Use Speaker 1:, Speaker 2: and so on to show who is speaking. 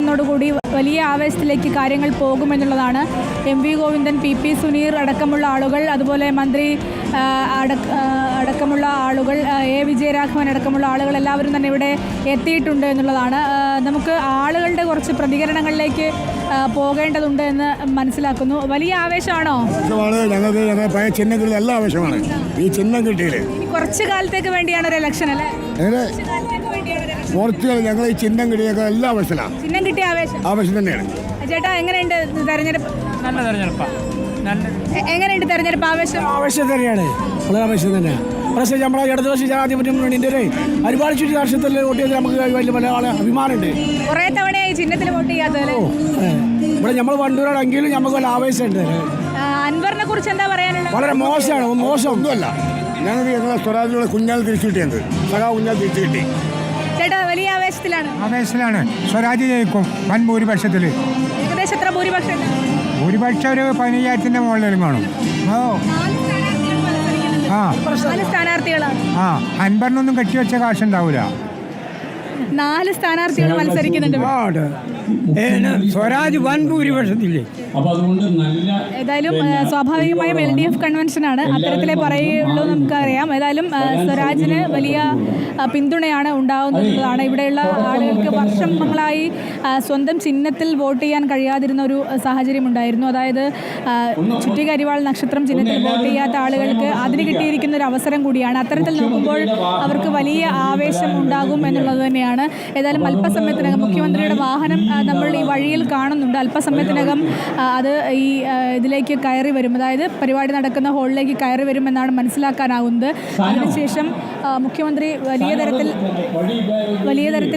Speaker 1: നടക്കുന്നതോടുകൂടി വലിയ ആവേശത്തിലേക്ക് കാര്യങ്ങൾ പോകുമെന്നുള്ളതാണ്. M V Govindan, PP Suneer അടക്കമുള്ള ആളുകൾ, അതുപോലെ മന്ത്രി അടക്കമുള്ള ആളുകൾ, വിജയരാഘവൻ അടക്കമുള്ള ആളുകൾ എല്ലാവരും തന്നെ ഇവിടെ എത്തിയിട്ടുണ്ട് എന്നുള്ളതാണ്. നമുക്ക് ആളുകളുടെ കുറച്ച് പ്രതികരണങ്ങളിലേക്ക് പോകേണ്ടതുണ്ട് എന്ന് മനസ്സിലാക്കുന്നു. വലിയ ആവേശമാണോ?
Speaker 2: ഞങ്ങൾക്ക് ചിഹ്നം എല്ലാ ആവേശമാണ്. ഈ ചിഹ്നം കിട്ടിയില്ലേ
Speaker 1: കുറച്ചു കാലത്തേക്ക് വേണ്ടിയാണ് ഒരു ഇലക്ഷൻ അല്ലേ?
Speaker 2: ഞങ്ങൾ ഈ ചിഹ്നം കിട്ടിയൊക്കെ എല്ലാ ആവേശമാണ്.
Speaker 1: ചിഹ്നം കിട്ടിയ
Speaker 2: ആവേശം തന്നെയാണ്.
Speaker 1: ചേട്ടാ, എങ്ങനെയുണ്ട് തെരഞ്ഞെടുപ്പ്?
Speaker 3: നല്ല തെരഞ്ഞെടുപ്പാണ്.
Speaker 1: എങ്ങനെയുണ്ട് തെരഞ്ഞെടുപ്പ്?
Speaker 3: ആവേശം തന്നെയാണ്, വളരെ ആവേശം തന്നെയാണ്. പക്ഷേ നമ്മളെ ഇടതുപക്ഷ ജനാധിപത്യ മുന്നണിൻ്റെ ഒരുപാട് ചുറ്റി രാഷ്ട്രീയത്തിൽ വോട്ട് ചെയ്ത് നമുക്ക് വലിയ പല ആളെ അഭിമാനമുണ്ട്.
Speaker 1: കുറേ തവണയായി ചിഹ്നത്തിൽ വോട്ട് ചെയ്യാത്തത്.
Speaker 3: ഇവിടെ നമ്മൾ വണ്ടൂരാണെങ്കിലും നമുക്ക് വല്ല ആവേശമുണ്ട്.
Speaker 1: അൻവറിനെ കുറിച്ച് എന്താ പറയാനുള്ളത്?
Speaker 3: വളരെ മോശമാണ്. മോശം
Speaker 2: ഒന്നുമല്ല. ഞങ്ങളുടെ സ്വരാജിലുള്ള കുഞ്ഞാൽ തിരിച്ചു കിട്ടിയത്, കുഞ്ഞാൽ തിരിച്ചു കിട്ടി.
Speaker 1: ചേട്ടാ, വലിയ
Speaker 4: ആവേശത്തിലാണ്. സ്വരാജ് ജയിക്കും വൻ ഭൂരിപക്ഷത്തിൽ.
Speaker 1: ഏകദേശം എത്ര ഭൂരിപക്ഷം?
Speaker 4: ഭൂരിപക്ഷം ഒരു 15,000-ന്റെ മുകളിലും കാണും.
Speaker 1: സ്ഥാനാർത്ഥികളാണ്.
Speaker 4: അൻപറിനൊന്നും കെട്ടിവെച്ച കാശുണ്ടാവൂല.
Speaker 1: 4 സ്ഥാനാർത്ഥികൾ മത്സരിക്കുന്നുണ്ട്.
Speaker 3: സ്വരാജ് വൻ ഭൂരിപക്ഷത്തില്ലേ?
Speaker 1: ഏതായാലും സ്വാഭാവികമായും LDF കൺവെൻഷനാണ്, അത്തരത്തിലേ പറയുള്ളൂ, നമുക്കറിയാം. ഏതായാലും സ്വരാജിന് വലിയ പിന്തുണയാണ് ഉണ്ടാകുന്നതാണ്. ഇവിടെയുള്ള ആളുകൾക്ക് വർഷങ്ങളായി സ്വന്തം ചിഹ്നത്തിൽ വോട്ട് ചെയ്യാൻ കഴിയാതിരുന്ന ഒരു സാഹചര്യം ഉണ്ടായിരുന്നു. അതായത് ചുറ്റിക അരിവാൾ നക്ഷത്രം ചിഹ്നത്തിൽ വോട്ട് ചെയ്യാത്ത ആളുകൾക്ക് അതിന് കിട്ടിയിരിക്കുന്ന ഒരു അവസരം കൂടിയാണ്. അത്തരത്തിൽ നോക്കുമ്പോൾ അവർക്ക് വലിയ ആവേശം ഉണ്ടാകും എന്നുള്ളത് തന്നെയാണ്. ഏതായാലും അല്പസമയത്തിനകം മുഖ്യമന്ത്രിയുടെ വാഹനം നമ്മൾ ഈ വഴിയിൽ കാണുന്നുണ്ട്. അല്പസമയത്തിനകം അത് ഈ ഇതിലേക്ക് കയറി വരും, അതായത് പരിപാടി നടക്കുന്ന ഹാളിലേക്ക് കയറി വരുമെന്നാണ് മനസ്സിലാക്കാനാകുന്നത്. അതിനുശേഷം മുഖ്യമന്ത്രി വലിയ തരത്തിൽ